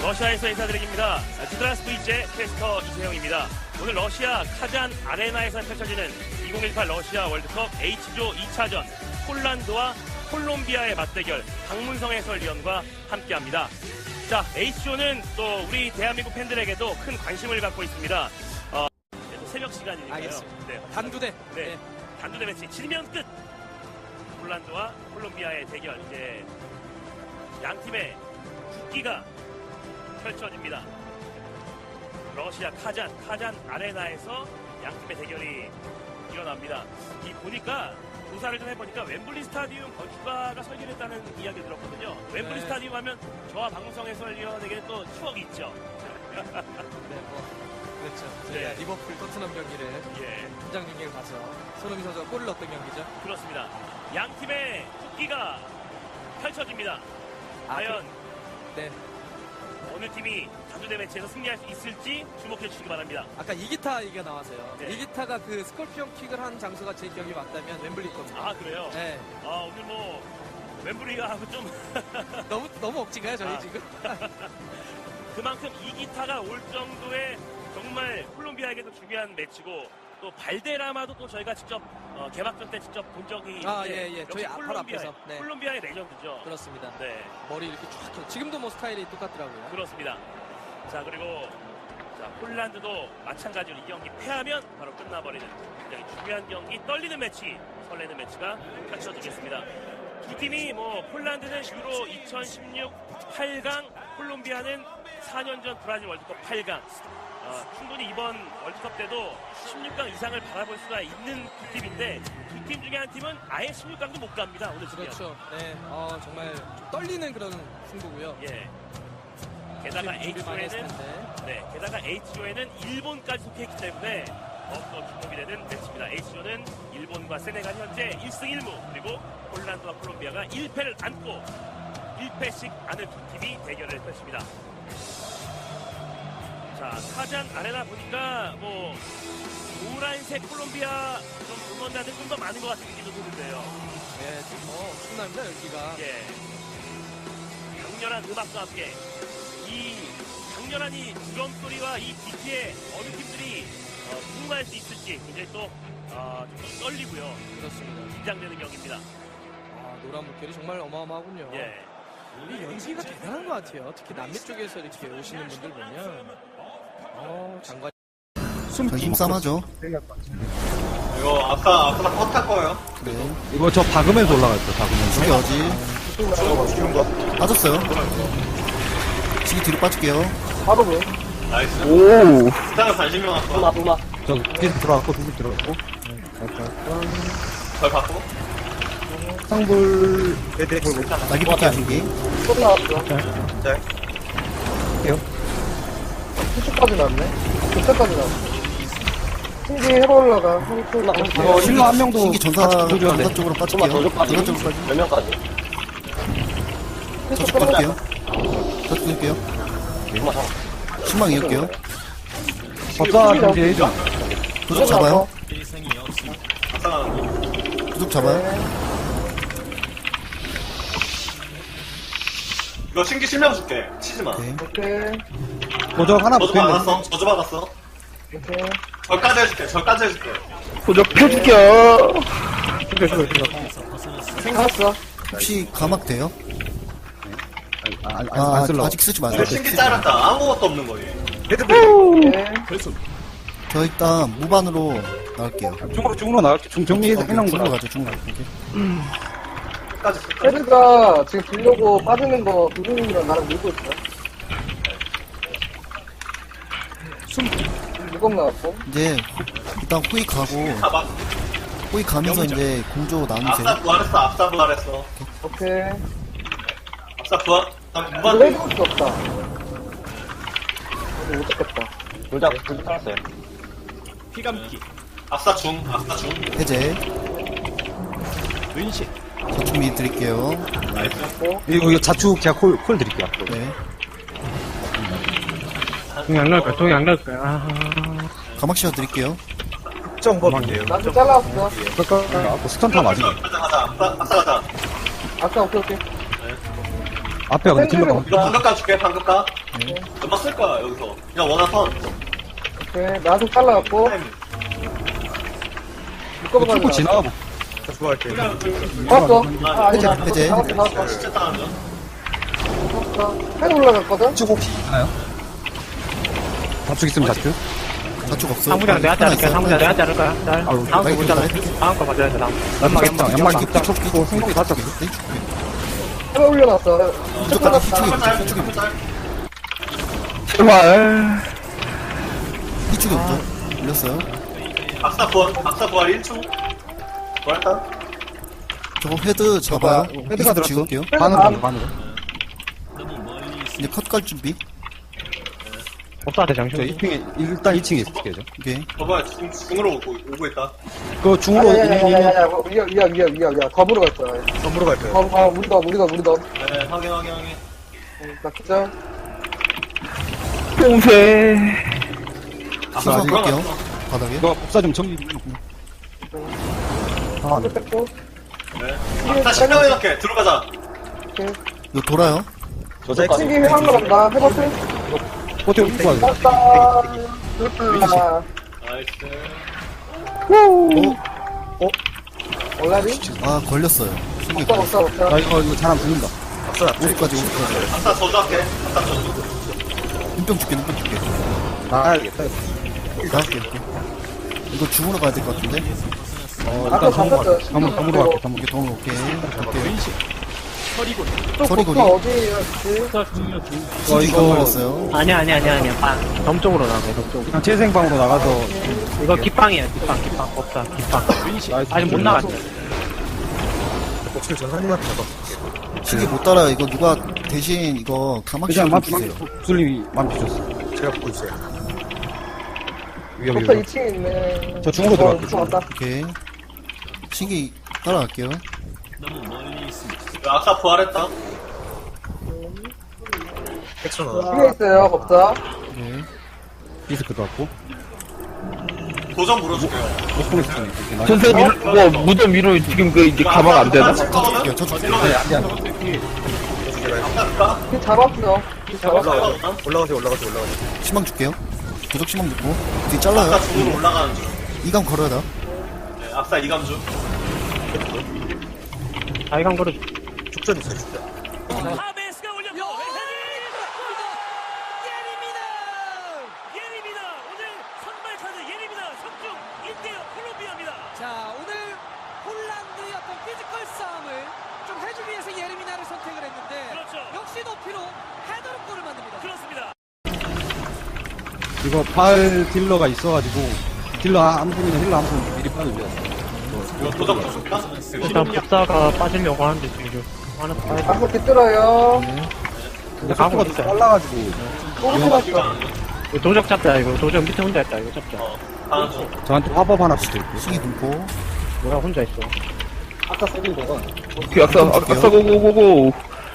러시아에서 인사드립니다. 드라스 V제 캐스터 이세영입니다. 오늘 러시아 카잔 아레나에서 펼쳐지는 2018 러시아 월드컵 H조 2차전 폴란드와 콜롬비아의 맞대결 박문성 해설위원과 함께합니다. 자, H조는 또 우리 대한민국 팬들에게도 큰 관심을 갖고 있습니다. 새벽 시간이니까요. 알겠습니다. 네, 단두대. 네, 단두대 매치 지면 끝. 폴란드와 콜롬비아의 대결, 이제 양 팀의 국기가 펼쳐집니다. 러시아 카잔 아레나에서 양 팀의 대결이 일어납니다. 이 보니까 조사를 좀 해보니까 웸블리 스타디움 건축가가 설계했다는 이야기 들었거든요. 웸블리 네. 스타디움 하면 저와 박문성 해설위원에게는 또 추억이 있죠. 네, 그렇죠. 네. 저희가 리버풀 토트넘 경기를 예, 현장 경기를 봐서 손흥민 선수가 골을 넣었던 경기죠. 그렇습니다. 양 팀의 국기가 펼쳐집니다. 과연 네. 어느 팀이 단두대 매치에서 승리할 수 있을지 주목해 주시기 바랍니다. 아까 이기타 얘기가 나와서요. 네. 이기타가 그 스콜피온 킥을 한 장소가 제 기억이 맞다면 웸블리 겁니다. 아, 그래요? 네. 오늘 뭐 웸블리가 좀 너무 억지가요, 저희 아. 지금. 그만큼 이기타가 올 정도의 정말 콜롬비아에게도 중요한 매치고 또 발데라마도 또 저희가 직접 개막전 때 직접 본 적이 아, 있는데 예. 역시 저희 바로 앞에서. 네. 콜롬비아의 레전드죠. 그렇습니다. 네, 머리 이렇게 쫙 켜. 지금도 뭐 스타일이 똑같더라고요. 그렇습니다. 자, 그리고 자, 폴란드도 마찬가지로 이 경기 패하면 바로 끝나버리는 굉장히 중요한 경기, 떨리는 매치, 설레는 매치가 펼쳐지겠습니다. 두 팀이 뭐 폴란드는 유로 2016 8강, 콜롬비아는 4년 전 브라질 월드컵 8강. 충분히 이번 월드컵 때도 16강 이상을 바라볼 수가 있는 두 팀인데 두 팀 중에 한 팀은 아예 16강도 못 갑니다. 오늘 지금. 그렇죠. 네. 정말 떨리는 그런 승부고요. 예. 게다가 준비 많이 했을 H조에는 텐데. 게다가 H조에는 일본까지 속해있기 때문에 더욱더 주목이 되는 매치입니다. H조는 일본과 세네갈 현재 1승 1무, 그리고 폴란드와 콜롬비아가 1패를 안고 1패씩 안은 두 팀이 대결을 펼칩니다. 자, 카잔 아레나 보니까 뭐 노란색 콜롬비아 좀 응원자들 좀 더 많은 것 같은 느낌도 드는데요. 네, 지금 엄청납니다, 여기가. 예. 강렬한 음악과 함께 이 강렬한 이 드럼 소리와 이 비트에 어느 팀들이 승부할 수 있을지 굉장히 또 좀 떨리고요. 그렇습니다. 긴장되는 경기입니다. 노란 물결이 정말 어마어마하군요. 예. 이 연기가 대단한 것 같아요. 특히 남미 쪽에서 이렇게 오시는 분들 보면, 장관. 힘싸움하죠. 이거 아까 컷할 거예요. 그래. 이거 저 박으면서 올라갔죠, 박으면서. 저기 어지. 빠졌어요. 시기 뒤로 빠질게요. 나이스. 오! 스타는 관심명 왔어. 저, 뒤에서 들어갔고, 두분 들어갔고. 걸 받고. 상불, 날개 뽑기 안 준비. 수축까지 났네. 교차까지 났어. 신기 해로 올라가. 실로 한 명도. 시기 전사 쪽으로 빠질게요. 전사 쪽으로 빠지. 몇 명까지? 저쪽 빠질게요. 저쪽 줄게요. 신망 이을게요. 법사 준비해줘. 도적 잡아요. 아싸가는 도적 잡아요. 이거 신기 실명 줄게. 치지 마. 오케이. 오케이. 도적 하나 저주 붙어있는 받았어. 저주 받았어. 오케이. 절까지 해줄게. 절까지 해줄게. 도적 펴줄게요. 생각했어. 혹시 가막 돼요? 안 쓸러. 아직 쓰지 마세요. 이거 신기 짧았다. 아무것도 없는 거지. 오케이. 저 일단 무반으로 나갈게요. 중으로 나갈게. 정리해서 해놓은 중으로 거라. 가죠, 중으로. 끝까지. 헤드가 지금 들려고 빠지는 거 두준이랑 나랑 밀고 있어. 무겁 나왔고. 이제 일단 호이 가고, 가봐. 호이 가면서 이제 공조 나누세요. 앞사 부활했어. 앞사 부활했어. 오케이. 앞사 부활. 나 이거 무반. 해줄 수 없다. 이거 못 잡겠다. 둘다 살았어요. 피감기. 앞사 중. 앞사 중. 해제. 저축 미리 드릴게요. 나이스. 이거 자축 제가 콜 드릴게요. 네. 동이 안 나올까요? 동이 안 나올까요? 가막 씌워 드릴게요. 나도 잘라왔어. 스턴 타 맞으네. 가자. 앞사 가자. 아까 오케이, 오케이. 앞에 근데 딜러가 샌들이 이거 없다. 방금 까줄게, 방금 까. 연막 쓸 거야, 여기서. 그냥 원한 턴. 오케이. 나도 잘라갖고. 타이밍. 묶어봐. 뚫고 지나가 보. 봤어? 아, 아니다. 해제. 잡았어. 진짜 따라하죠. 해도 올라갔거든? 자축 혹시 있나요? 자축 있으면 자축. 자축 없어. 상무장 내가 자를게. 상무장 내가 자를 거야. 자, 다음 거 빨리 못 자를 다음 거 맞아야 돼. 다음. 연막 끼고 딱 끼고 끼고 생각이 다 잡고. 해도 올려놨어. 무조건 끝났다. 피축이 짤. 제발. 피축이 없죠. 올렸어요. 악사 부활 1초. 부활했다. 저거 헤드 잡아요. 헤드가 들었어. 지울게요. 반으로 반으로. 이제 컷 갈 준비. 법사한테 저 장신. 2층에 일단 2층에 있을게요. 오케이. 봐봐, 중으로 오고 있다. 그 중으로 야야야야야야. 위야. 덤으로 갈 거야. 덤으로 갈까요? 우리 덤. 네, 확인. 나 기절. 뽕새. 시선 아직 볼게요. 바닥에. 이거 복사 좀 정리 좀 해놓고. 하드 뺐고. 네. 악사 신경해놓게. 들어가자. 이거 돌아요. 신기 회한 거 간다. 해봤어? 호텔 입고 가자. 맞다. 그렇다. 나이스. 올라리? 아 걸렸어요. 신기 먹자. 아 이거 잘안 풀린다. 50까지. 악사 저주할게. 악사 저주. 눈병 줄게. 나가야겠다. 나갈게 이렇게. 이거 중으로 가야 될 것 같은데. 아까 잡혔어. 덤으로 갈게. 덤으로. 이게 더 오케이. 갈게요. 또 서리고리. 복사 어디였지? 신기 이거- 이거 걸렸어요. 아니야. 덤 쪽으로 나가. 덤 쪽으로. 그냥 재생방으로 나가서 이거 기빵이야. 기빵. 법사. 기빵. 아직 못 나갔어. 신기 못 따라. 이거 누가 대신 이거 가망 그냥 씌워 맘 주세요. 술님이 맘 주셨어. 제가 보고 있어요. 복사 2층에 있네. 저 중으로 들어갈게요. 들어왔다. 오케이. 신기 따라갈게요. 악사 부활했다. 뒤에 있어요, 법사. 네. 디스크도 왔고. 도전 물어줄게요. 목공에 있었네. 전세 뭐 무덤 위로 지금 그 이제 가방 안 되나? 저 줄게요. 저 줄게요. 네, 안 돼, 안 돼. 악사 줄까? 뒤 잡았어. 올라가. 희망 줄게요. 도적 희망 줬고. 뒤 잘라요. 악사 중으로 올라가는 중. 이감 걸어야 돼. 네, 악사 이감 중. 아이간 거를 하베스가 올렸고 예림이다. 오늘 선발 카드 예림이다. 석중 1대0 콜롬비아입니다. 자, 오늘 폴란드의 어떤 피지컬 싸움을 좀 해주기 위해서 예르미나를 선택을 했는데 그렇죠. 역시 높이로 헤더로 골을 만듭니다. 그렇습니다. 이거 팔 딜러가 있어가지고 딜러 한 분이나 힐러 한 분 미리 빠져줘야 이거 도전 줄까? 일단 법사가 빠지려고 하는데 지금 하나 빠져. 한번 뒤뚫어요. 근데 가고 있어. 빨라가지고 꼬르륵 났어. 이거 도적 잡자. 이거 도적 밑에 혼자 있다. 이거 잡자. 하는 중. 저한테 화법 하나 붙여있고. 신기 분포. 뭐야 혼자 있어. 아까 세긴 거가. 아까 고고고고.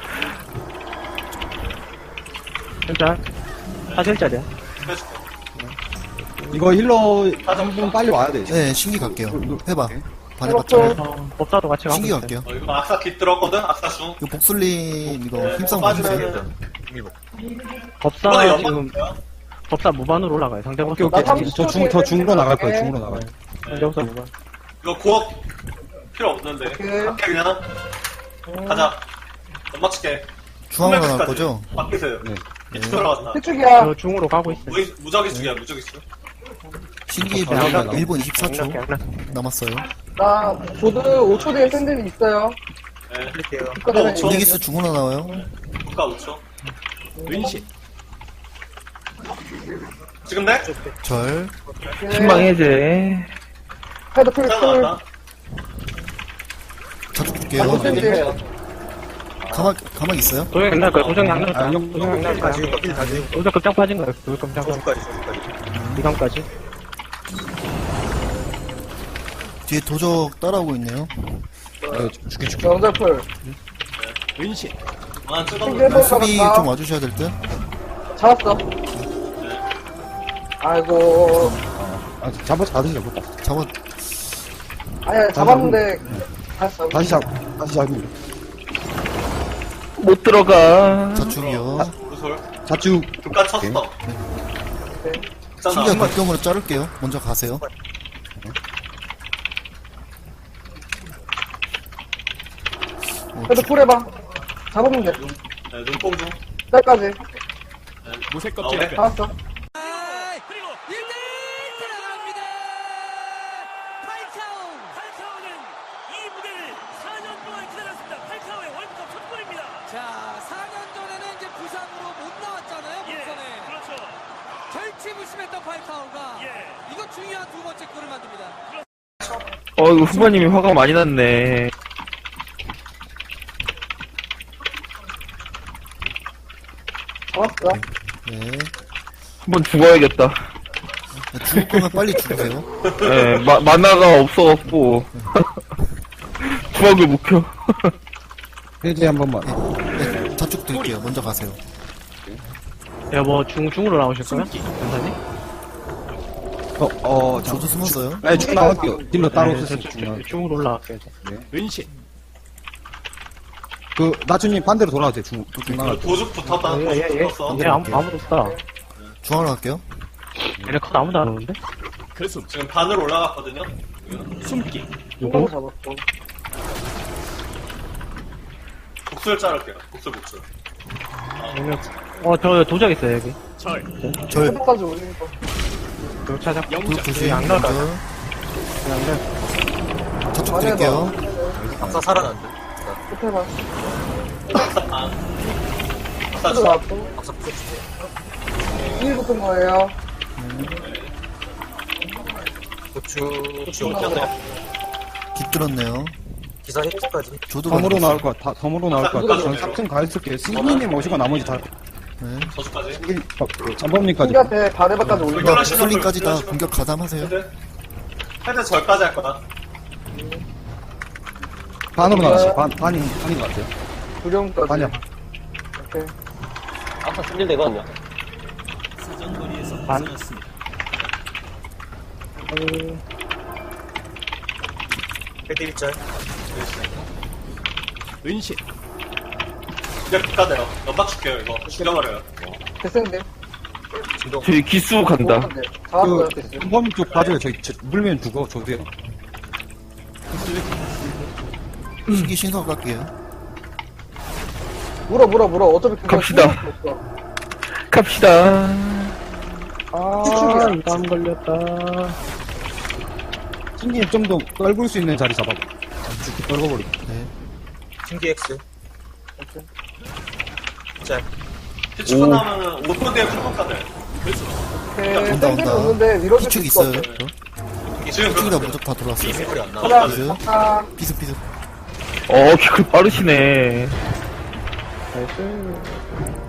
진짜 사실짜리야. 해줄게. 이거 힐러 한 분 빨리 와야 돼. 네, 신기 갈게요. 해봐. 해봤죠? 반해봤죠. 법사도 같이 가고 신기 있어. 갈게요. 이거 악사 깃 들었거든? 악사 중. 이거 복술님 이거 네, 힘싸움 빠지면은. 해주세요. 법사 이번에 지금 연막 법사 무반으로 올라가요. 상대 법사. 오케이, 오케이. 나 더 중으로 나갈 거예요. 중으로 나가요. 상대 법사 무반. 이거 고업 필요 없는데. 오케이. 갈게 그냥. 가자. 연막 칠게. 중앙으로 나갈 거죠? 바뀌세요. 네. 들어갔다. 피축이야. 저 중으로 가고 있어. 무작위 죽이야, 무작위 죽. 신기 아, 보면 아, 1분 24초 남았어요. 나 조드 5초 뒤에 샌들이 있어요. 네. 국가 이기스 중으로 나와요. 국가 5초. 지금 돼? 절. 신망해제. 헤드 풀 잘 풀. 나왔다. 자주 줄게요. 한번 샌들. 가만 있어요? 도적 양날 거야. 도적 양날 거야. 아, 형, 도적 양날 거야. 도적 급장 빠진 거야. 도적 급장 빠진 이감까지. 뒤에 도적 따라오고 있네요. 네, 죽게. 영절풀. 아, 찍어. 신기 해볼 수비 것 좀 같다. 와주셔야 될 듯. 잡았어. 아이고. 아, 잡아서 다시 잡을까? 잡아. 아니야, 잡았는데. 다시 잡. 다시 잡으면. 못 들어가. 자축이요. 오른솔. 자축. 끝까지 쳤어. 신기한 있잖아. 극경으로 자를게요. 먼저 가세요. 그래도 풀 해봐. 잡으면 돼. 네, 눈뽕 중. 딸까지. 무색 껍질. 알았어. 그리고 1대1 들어갑니다. 팔카오는 이 무대를 4년 동안 기다렸습니다. 팔카오의 월드컵 첫 골입니다. 자, 4년 전에는 이제 부상으로 못 나왔잖아요. 예, 본선에. 그렇죠. 절치부심했던 팔카오가 예. 이거 중요한 두 번째 골을 만듭니다. 이거 후반님이 화가 많이 났네. 잡았어. 네. 한번 죽어야겠다. 죽을 거면 빨리 죽으세요. 예, 만화가 없어갖고. 주먹을 못 켜. 해제 한 번만. 네, 자축 드릴게요. 먼저 가세요. 야, 뭐, 중으로 나오실 거야? 변사님? 저도 숨었어요. 네, 쭉 나갈게요. 딜러 따로 없으세요. 쭉 나갈게요. 중으로 올라갈게요. 그, 나주님 반대로 돌아가세요. 중 나갈 때. 도죽 붙었다. 도죽 붙었어. 아무도 없다. 중앙으로 갈게요. 얘네 컷 아무도 안 오는데? 지금 반으로 올라갔거든요. 누구 잡았고. 복술 자를게요. 복술. 저 도적 있어요, 여기. 절, 끝까지 올리는 거. 저 찾아. 그 조심. 안 나가. 먼저. 자축 드릴게요. 끝 해봐. 악사 또 중. 나왔고. 1 붙은 거예요. 깃들었네요. 기사 획득까지. 저도 덤으로 가요. 나올 것 같아. 덤으로 나올 것 같아. 전 3층 가 있을게요. 승기님 오시고 나머지 다. 네. 저주까지. 잠범님까지. 신기한테 바네바까지 올리고. 이거 솔링까지 다 공격 가담하세요. 헤드 절까지 할 거다. 반으로 나가세요. 반인 것 같아요. 두령까지. 반이야. 오케이. 아까 승질 되거든요. 헤드 1짤. 이제 국가대요. 연막 줄게요, 이거. 죽여버려요. 됐는데. 저기 기수 간다. 잡았어요, 그, 됐어. 잠범님 쪽 봐줘요. 물면 죽어. 저도요. 신기 신석 갈게요. 물어. 어차피 그거 갑시다. 신경 없어. 갑시다. 추측이야. 이거 안 걸렸다. 승기님 좀 더 떨굴 수 있는 자리 잡아봐. 죽기 떨궈버리고. 네. 신기 X. 짤. 피치 끝나면은 5분 뒤에 풀국가대. 오케이. 온다, 땡땡이 온다. 없는데 밀어줄 수 기축 있어. 있어요. 지금 기축이다 그렇게 무적 다 들어왔어요. 소리 안 나. 하나, 비스. 하나, 비스. 그 빠르시네. 나이스.